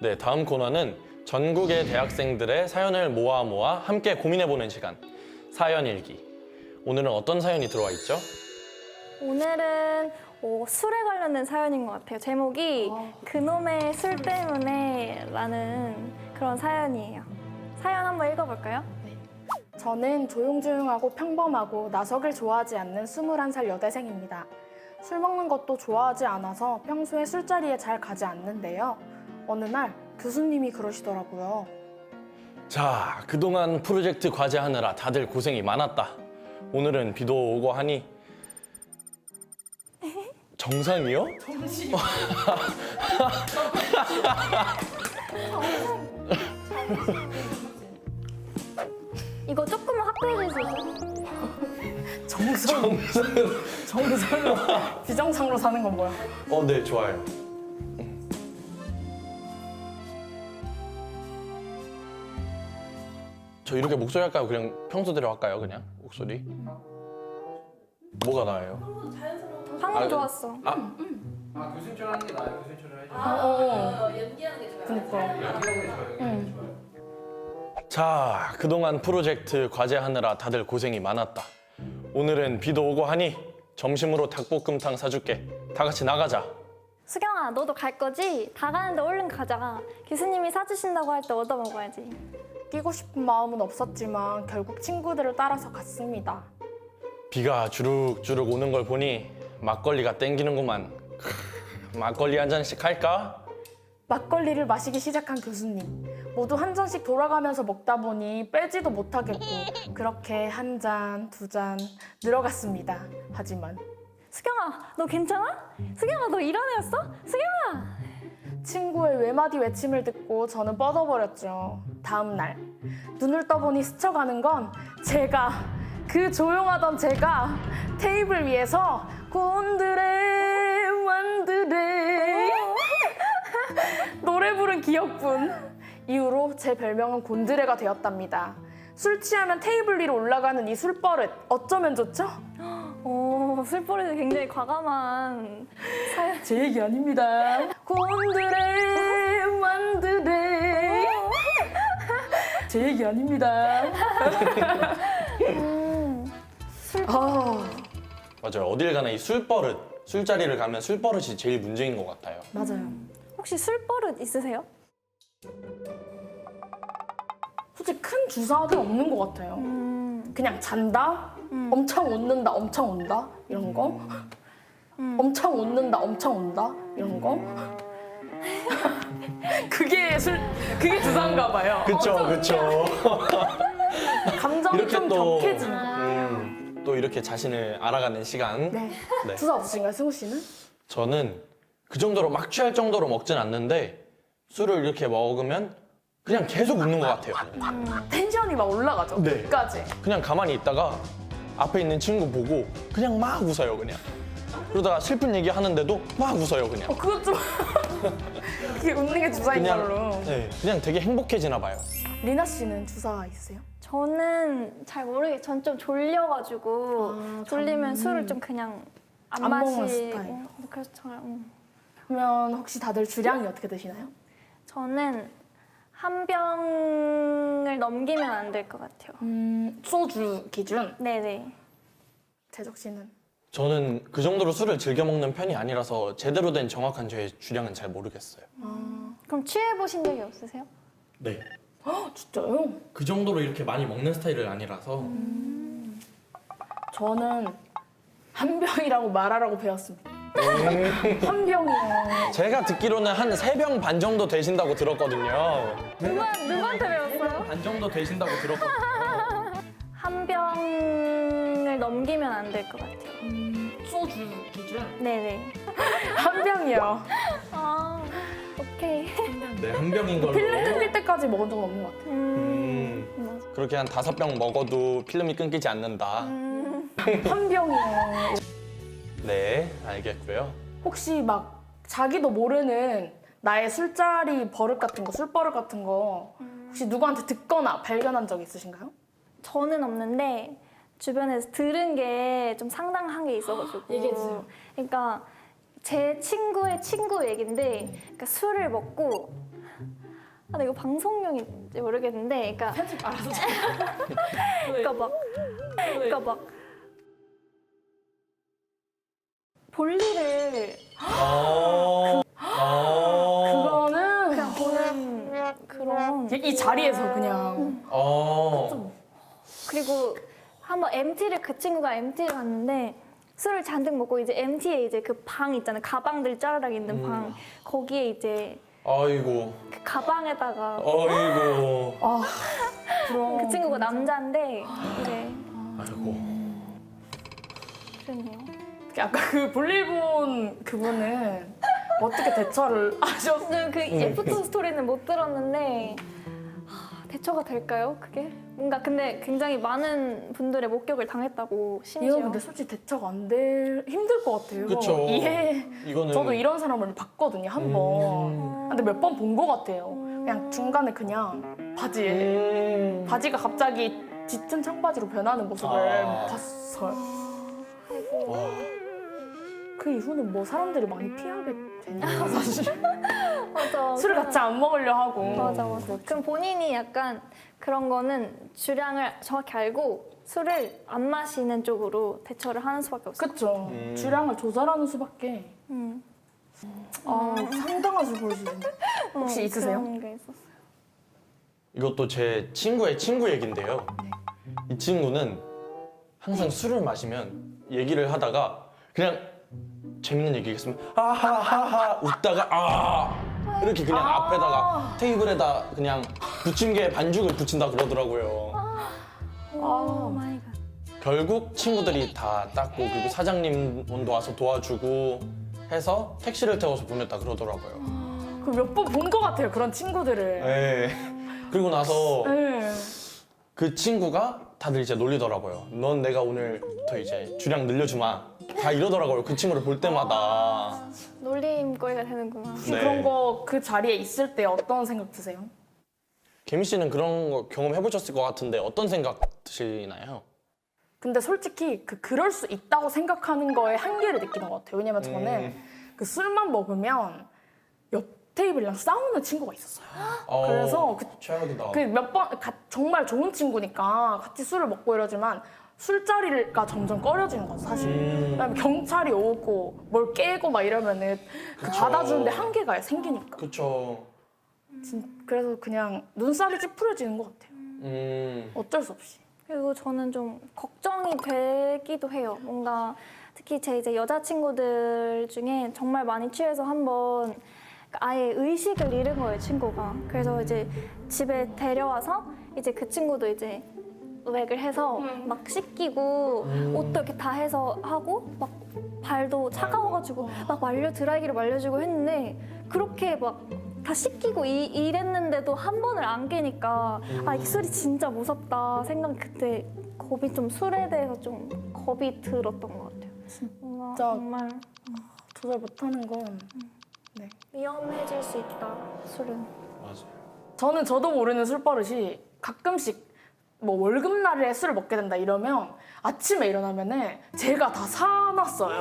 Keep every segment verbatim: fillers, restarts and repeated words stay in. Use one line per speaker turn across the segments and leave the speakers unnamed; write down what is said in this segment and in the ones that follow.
네, 다음 코너는 전국의 대학생들의 사연을 모아 모아 함께 고민해보는 시간, 사연일기. 오늘은 어떤 사연이 들어와 있죠?
오늘은 어, 술에 관련된 사연인 것 같아요. 제목이 그놈의 술 때문에 라는 그런 사연이에요. 사연 한번 읽어볼까요?
저는 조용조용하고 평범하고 나서길 좋아하지 않는 스물한 살 여대생입니다. 술 먹는 것도 좋아하지 않아서 평소에 술자리에 잘 가지 않는데요. 어느 날 교수님이 그러시더라고요.
자, 그동안 프로젝트 과제하느라 다들 고생이 많았다. 오늘은 비도 오고 하니 정상이요?
정신.
이거 조금만 확대해 주세요.
정상. 정상으로 비정상으로 사는 건 뭐야?
어, 네, 좋아요. 저 이렇게 목소리 할까요? 그냥 평소대로 할까요? 그냥 목소리? 뭐가 나아요?
방금
아,
좋았어.
아,
아 교수님처럼 하는 게 나아요. 교수님처럼 해줘.
어, 어.
연기하는 게 좋아요.
그니까.
연기하는 게 좋아요.
응.
자, 그동안 프로젝트 과제하느라 다들 고생이 많았다. 오늘은 비도 오고 하니 점심으로 닭볶음탕 사줄게. 다 같이 나가자.
수경아, 너도 갈 거지? 다 가는데 얼른 가자. 교수님이 사주신다고 할 때 얻어 먹어야지.
끼고 싶은 마음은 없었지만 결국 친구들을 따라서 갔습니다.
비가 주룩주룩 오는 걸 보니 막걸리가 땡기는구만. 크, 막걸리 한 잔씩 할까?
막걸리를 마시기 시작한 교수님. 모두 한 잔씩 돌아가면서 먹다 보니 빼지도 못하겠고 그렇게 한 잔, 두 잔 늘어갔습니다. 하지만
수경아, 너 괜찮아? 수경아, 너 이런 애였어? 수경아!
친구의 외마디 외침을 듣고 저는 뻗어버렸죠. 다음 날 눈을 떠보니 스쳐가는 건 제가, 그 조용하던 제가 테이블 위에서 곤드레 완드레 노래 부른 기억뿐. 이후로 제 별명은 곤드레가 되었답니다. 술 취하면 테이블 위로 올라가는 이 술버릇 어쩌면 좋죠?
오, 술버릇이 굉장히 과감한 사연.
제 얘기 아닙니다. 곤드레 완드레 제 얘기 아닙니다.
음,
아,
맞아요. 어딜 가나 이 술버릇, 술자리를 가면 술버릇이 제일 문제인 것 같아요.
맞아요.
혹시 술버릇 있으세요?
솔직히 큰 주사는 없는 것 같아요.
음,
그냥 잔다,
음.
엄청 웃는다, 엄청 운다 이런 거.
음.
엄청 웃는다, 엄청 운다 이런 거. 그게 술, 그게 주사인가 봐요.
그쵸, 그쵸.
감정이
이렇게
좀
또,
격해지는 거.
음, 또 이렇게 자신을 알아가는 시간.
네.
네.
주사 없으신가요, 승우 씨는?
저는 그 정도로 막 취할 정도로 먹진 않는데 술을 이렇게 먹으면 그냥 계속 웃는 것 같아요.
텐션이 막 올라가죠.
네.
끝까지.
그냥 가만히 있다가 앞에 있는 친구 보고 그냥 막 웃어요, 그냥. 그러다가 슬픈 얘기 하는데도 막 웃어요, 그냥.
어, 그것 좀 그게 웃는 게 주사인 걸로.
그냥, 네, 그냥 되게 행복해지나 봐요.
리나 씨는 주사 있으세요?
저는 잘 모르겠어요. 전 좀 졸려가지고
아,
졸리면
잠-
술을 좀 그냥 안,
안 먹는
마시고
스타일.
그래서 잘, 음.
그러면 혹시 다들 주량이 어떻게 되시나요?
저는 한 병을 넘기면 안 될 것 같아요.
음, 소주 기준.
네네.
재석 씨는?
저는 그 정도로 술을 즐겨 먹는 편이 아니라서 제대로 된 정확한 저의 주량은 잘 모르겠어요.
그럼 취해보신 적이 없으세요?
네.
아, 진짜요?
그 정도로 이렇게 많이 먹는 스타일은 아니라서.
저는 한 병이라고 말하라고 배웠습니다. 한 병이요.
제가 듣기로는 한 세 병 반 정도 되신다고 들었거든요.
누가, 누구한테 배웠어요?
반 정도 되신다고 들었거든요.
한 병을 넘기면 안 될 것 같아요.
소주 기준?
네네.
한 병이요.
아, 오케이.
네, 한 병인 걸로.
필름 끊길 때까지 먹은 적은 없는 것 같아요.
음,
음,
맞아.
그렇게 한 다섯 병 먹어도 필름이 끊기지 않는다.
음,
한 병이요.
네, 알겠고요.
혹시 막 자기도 모르는 나의 술자리 버릇 같은 거, 술버릇 같은 거 혹시 누구한테 듣거나 발견한 적 있으신가요?
저는 없는데 주변에서 들은 게 좀 상당한 게 있어가지고.
얘기해주세요.
그러니까 제 친구의 친구 얘긴데, 그러니까 술을 먹고 아, 근데 이거 방송용인지 모르겠는데, 그러니까
편집 알아서
그러니까 막, 그러니까 막 볼일을
아, 아,
그거는
그냥 보는 그런.
이 자리에서 그냥
아,
그리고 한번 엠티를 그 친구가 엠티를 갔는데 술을 잔뜩 먹고 이제 엠티에 이제 그 방 있잖아요. 가방들 짜르락 있는 방. 거기에 이제
아이고,
그 가방에다가
아이고,
아 그럼
그 친구가 남자인데 이제
아이고.
그랬네요.
아까 그 볼일본 그분은 어떻게 대처를 하셨어요?
저는 그 애프터 스토리는 못 들었는데 하, 대처가 될까요? 그게 뭔가 근데 굉장히 많은 분들의 목격을 당했다고 심지어.
이거 근데 솔직히 대처가 안 될 힘들 것 같아요.
그쵸.
이해.
이거는
저도 이런 사람을 봤거든요 한 번.
음.
근데 몇 번 본 것 같아요. 그냥 중간에 그냥 바지에
음.
바지가 갑자기 짙은 청바지로 변하는 모습을
아.
봤어요.
와,
그 이후는 뭐 사람들이 많이 피하게 되니까 사실
맞아.
술을 같이 안 먹으려 하고.
맞아 맞아. 그럼 본인이 약간 그런 거는 주량을 정확히 알고 술을 안 마시는 쪽으로 대처를 하는 수밖에 없어요.
그쵸.
음.
주량을 조절하는 수밖에.
음.
아 상당한 술 보여주시네. 혹시
어,
있으세요?
그런 게 있었어요.
이것도 제 친구의 친구 얘긴데요. 이 친구는 항상 술을 마시면 얘기를 하다가 그냥 재밌는 얘기 있으면 하하하하 웃다가 아 이렇게 그냥
아.
앞에다가 테이블에다 그냥 부침개 반죽을 붙인다 그러더라고요.
오 마이 갓.
결국 친구들이 다 닦고 그리고 사장님도 와서 도와주고 해서 택시를 태워서 보냈다 그러더라고요.
그 몇 번 본 것 같아요 그런 친구들을.
네. 그리고 나서
네.
그 친구가 다들 이제 놀리더라고요. 넌 내가 오늘부터 이제 주량 늘려주마. 다 이러더라고요. 그 친구를 볼 때마다.
놀림거리가 되는구나.
혹시
네.
그런 거 그 자리에 있을 때 어떤 생각 드세요?
개미 씨는 그런 거 경험해보셨을 것 같은데 어떤 생각 드시나요?
근데 솔직히 그 그럴 수 있다고 생각하는 거에 한계를 느끼는 것 같아요. 왜냐면 저는
음.
그 술만 먹으면 옆 테이블이랑 싸우는 친구가 있었어요.
어,
그래서 그-
최악이다.
그 몇 번 정말 좋은 친구니까 같이 술을 먹고 이러지만 술자리가 점점 꺼려지는 거죠 사실.
음.
그다음에 경찰이 오고 뭘 깨고 막 이러면은 그
그쵸.
받아주는데 한계가 생기니까.
그쵸.
진- 그래서 그냥 눈살이 찌푸려지는 것 같아요.
음.
어쩔 수 없이.
그리고 저는 좀 걱정이 되기도 해요. 뭔가 특히 제 이제 여자친구들 중에 정말 많이 취해서 한번 아예 의식을 잃은 거예요, 친구가. 그래서 이제 집에 데려와서 이제 그 친구도 이제 웩을 해서 막 씻기고
음.
옷도 이렇게 다 해서 하고 막 발도 차가워가지고 막 말려 드라이기를 말려주고 했는데 그렇게 막 다 씻기고 이, 이랬는데도 한 번을 안 깨니까 아, 이 술이 진짜 무섭다 생각 그때 겁이 좀 술에 대해서 좀 겁이 들었던 것 같아요. 뭔가
진짜.
정말
조절 못하는 건. 네.
위험해질 수 있다, 술은.
맞아요.
저는 저도 모르는 술버릇이 가끔씩 뭐 월급날에 술을 먹게 된다 이러면 아침에 일어나면은 제가 다 사놨어요.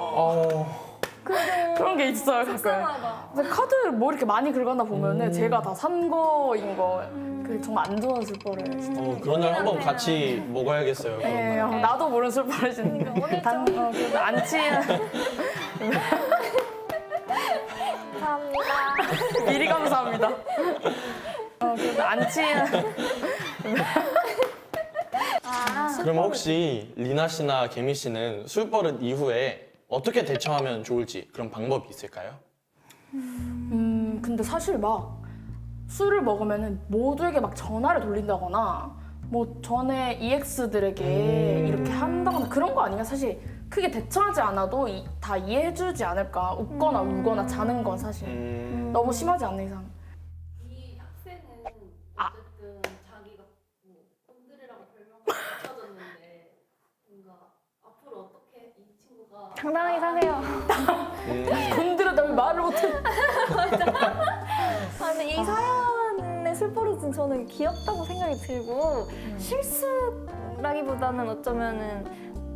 어.
그런 게 있어요 가끔.
속상하다.
근데 카드 뭐 이렇게 많이 긁었나 보면은 제가 다 산 거인 거. 그 정말 안 좋은 술버릇.
어, 그런 날 한번 같이 먹어야겠어요. 그런
네,
날.
어, 나도 모르는 술버릇인데
오늘
단, 어, 그래도 안 취한
감사합니다.
미리 감사합니다. 어, 그래도 안 취한
아,
그럼 혹시 리나 씨나 개미 씨는 술버릇 이후에 어떻게 대처하면 좋을지 그런 방법이 있을까요?
음, 근데 사실 막 술을 먹으면은 모두에게 막 전화를 돌린다거나 뭐 전에 이엑스들에게
음.
이렇게 한다거나 그런 거 아니면 사실 크게 대처하지 않아도 이- 다 이해해주지 않을까. 웃거나 울거나 자는 건 사실
음.
너무 심하지 않는 이상.
이 학생은
아.
어쨌든 자기가 뭐 꼰드레라고 별명을 붙여줬는데 뭔가 앞으로 어떻게 이 친구가
당당하게 사세요.
음.
곤드레다 왜 말을 못해.
아, 근데 이 사연의 술버릇은 저는 귀엽다고 생각이 들고 실수라기보다는 어쩌면은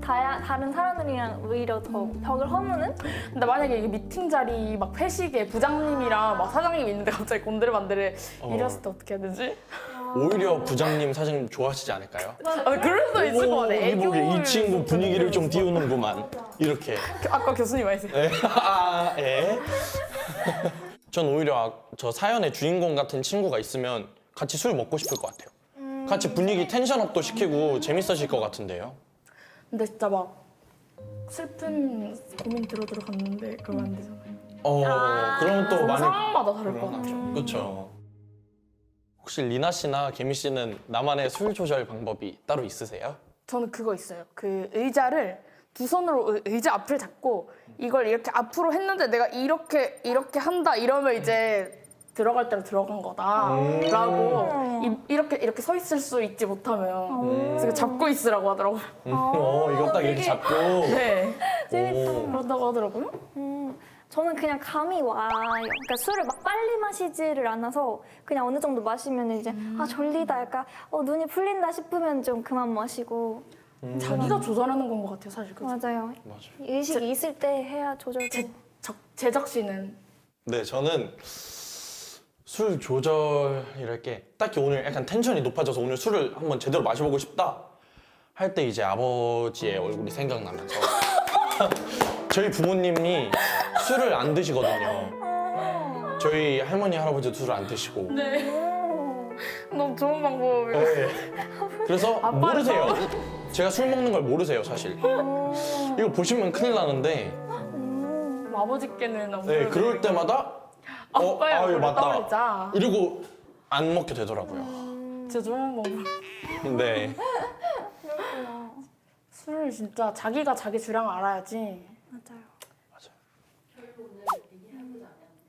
다, 다른 사람들이랑 오히려 더 벽을 허무는?
근데 만약에 이게 미팅 자리 막 회식에 부장님이랑 막 사장님 있는데 갑자기 곤드레만드레
어.
이랬을 때 어떻게 해야 되지?
오히려 부장님 사장님 좋아하시지 않을까요?
아, 그럴 수도 있을 것 같아.
이 보게 이
애교를
친구 분위기를 좀 띄우는구만. 이렇게.
아까 교수님 말씀.
예. 아, 예. 전 오히려 아- 저 사연의 주인공 같은 친구가 있으면 같이 술 먹고 싶을 것 같아요. 같이 분위기 텐션업도 시키고 재밌어질 것 같은데요.
근데 진짜 막 슬픈 고민 들어 들어갔는데 그러면 안 되잖아요.
어, 그럼 또 많이
상황마다 다를 것 같아요.
그렇죠. 혹시 리나 씨나 개미 씨는 나만의 술 조절 방법이 따로 있으세요?
저는 그거 있어요. 그 의자를 두 손으로 의- 의자 앞을 잡고 이걸 이렇게 앞으로 했는데 내가 이렇게 이렇게 한다 이러면 이제 들어갈 대로 들어간 거다라고 이, 이렇게 이렇게 서 있을 수 있지 못하면 그래서 잡고 있으라고 하더라고요.
음, 어, 이거 딱 이렇게 잡고.
네.
재밌다.
오.
그런다고 하더라고요.
음, 저는 그냥 감이 와요. 그러니까 술을 막 빨리 마시지를 않아서 그냥 어느 정도 마시면 이제 아 졸리다 약간 어, 눈이 풀린다 싶으면 좀 그만 마시고
자기가 조절하는 건 것 같아요, 사실. 그죠?
맞아요.
맞아요.
의식이 있을 때 해야 조절돼.
적, 제작 씨는
네, 저는 술 조절이랄 게 딱히 오늘 약간 텐션이 높아져서 오늘 술을 한번 제대로 마셔보고 싶다 할 때 이제 아버지의 얼굴이 생각나면서 저희 부모님이 술을 안 드시거든요. 저희 할머니 할아버지도 술을 안 드시고.
너무 좋은 방법이에요.
네. 그래서
아빠는
모르세요. 제가 술 먹는 걸 모르세요, 사실. 이거 보시면 큰일 나는데.
아버지께는 안
네,
그래도
그럴 때마다 어,
아빠의
아, 이거
얼굴을
맞다.
떠올리자.
이러고 안 먹게 되더라고요.
진짜 좋은 방법.
네.
술을 진짜 자기가 자기 주량을 알아야지.
맞아요.
결론을 얘기해보자면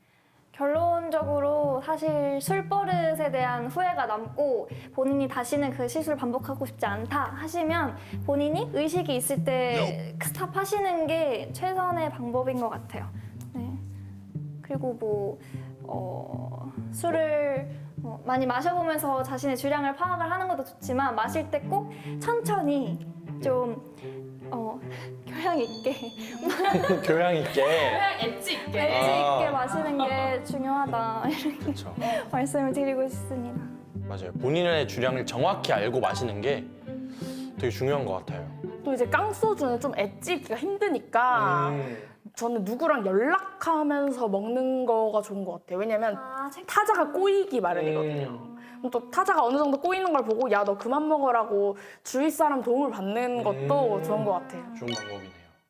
결론적으로 사실 술버릇에 대한 후회가 남고 본인이 다시는 그 실수를 반복하고 싶지 않다 하시면 본인이 의식이 있을 때 스탑하시는 게 최선의 방법인 것 같아요. 네. 그리고 뭐 어, 술을 뭐 많이 마셔보면서 자신의 주량을 파악을 하는 것도 좋지만 마실 때 꼭 천천히 좀 어, 교양 있게
교양 있게.
엣지 있게.
엣지
아.
있게 마시는 게 중요하다 이렇게
그렇죠.
말씀을 드리고 싶습니다.
맞아요. 본인의 주량을 정확히 알고 마시는 게 되게 중요한 것 같아요.
또 이제 깡소주는 좀 엣지 있기가 힘드니까
음.
저는 누구랑 연락하면서 먹는 거가 좋은 것 같아요. 왜냐면
아, 책
타자가 꼬이기 마련이거든요.
음.
그럼 또 타자가 어느 정도 꼬이는 걸 보고 야 너 그만 먹어라고 주위 사람 도움을 받는 것도
음.
좋은 것 같아요.
좋은 방법이네요.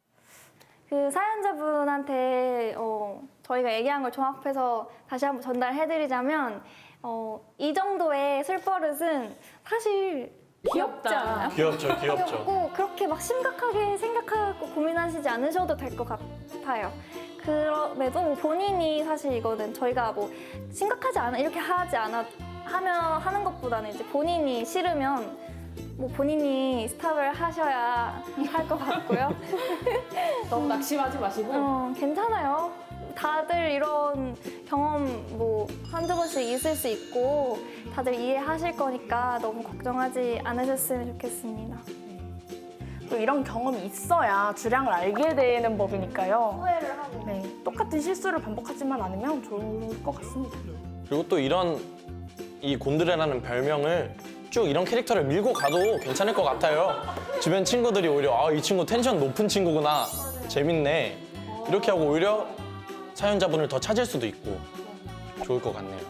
그 사연자분한테 어, 저희가 얘기한 걸 종합해서 다시 한번 전달해드리자면 어, 이 정도의 술버릇은 사실 귀엽지
귀엽다.
않아요?
귀엽죠, 귀엽죠.
귀엽고 그렇게 막 심각하게 생각하고 고민하시지 않으셔도 될 것 같아요. 그럼에도 뭐 본인이 사실 이거는 저희가 뭐 심각하지 않아 이렇게 하지 않아 하면 하는 것보다는 이제 본인이 싫으면 뭐 본인이 스탑을 하셔야 할 것 같고요.
너무 낙심하지 마시고
어, 괜찮아요. 다들 이런 경험 뭐 한두 번씩 있을 수 있고 다들 이해하실 거니까 너무 걱정하지 않으셨으면 좋겠습니다.
또 이런 경험이 있어야 주량을 알게 되는 법이니까요.
후회를 하고.
네, 똑같은 실수를 반복하지만 않으면 좋을 것 같습니다.
그리고 또 이런 이 곤드레라는 별명을 쭉 이런 캐릭터를 밀고 가도 괜찮을 것 같아요. 주변 친구들이 오히려 아, 이 친구 텐션 높은 친구구나. 재밌네. 이렇게 하고 오히려 사연자분을 더 찾을 수도 있고 좋을 것 같네요.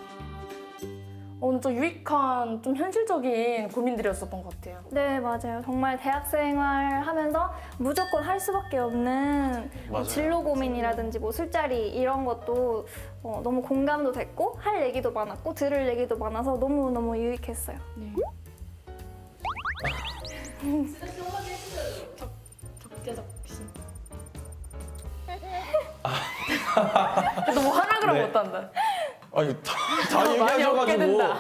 오늘 좀 유익한, 좀 현실적인 고민들이었었던 것 같아요.
네, 맞아요. 정말 대학생활 하면서 무조건 할 수밖에 없는 뭐
맞아요.
진로 고민이라든지 뭐 술자리 이런 것도 어, 너무 공감도 됐고 할 얘기도 많았고 들을 얘기도 많아서 너무너무 유익했어요.
적재적시. 너무 하락을
네.
못한다.
아니 다, 다
많이 얻게
얘기하셔가지고.
된다.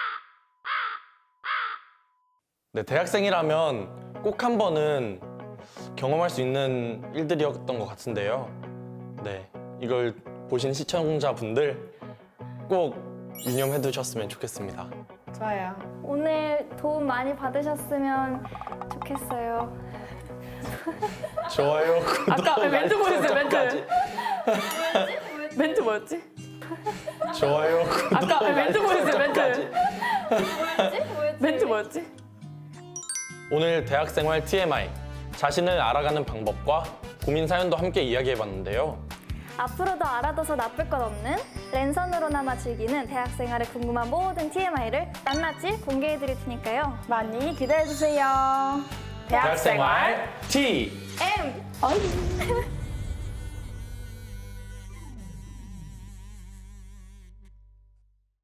네, 대학생이라면 꼭 한 번은 경험할 수 있는 일들이었던 것 같은데요. 네, 이걸 보신 시청자분들 꼭 유념해 두셨으면 좋겠습니다.
좋아요.
오늘 도움 많이 받으셨으면 좋겠어요.
좋아요, 구독,
아까 멘트
알림
보여주세요, 멘트.
설정까지.
뭐였지?
멘트 뭐였지?
좋아요, 구독,
아까 멘트
알림
보여주세요, 멘트.
설정까지.
뭐였지? 뭐였지?
멘트 뭐였지?
오늘 대학생활 티엠아이, 자신을 알아가는 방법과 고민 사연도 함께 이야기해봤는데요.
앞으로도 알아둬서 나쁠 것 없는 랜선으로나마 즐기는 대학생활에 궁금한 모든 티엠아이를 낱낱이 공개해드릴 테니까요.
많이 기대해주세요.
대학생활 티!
M!
어이.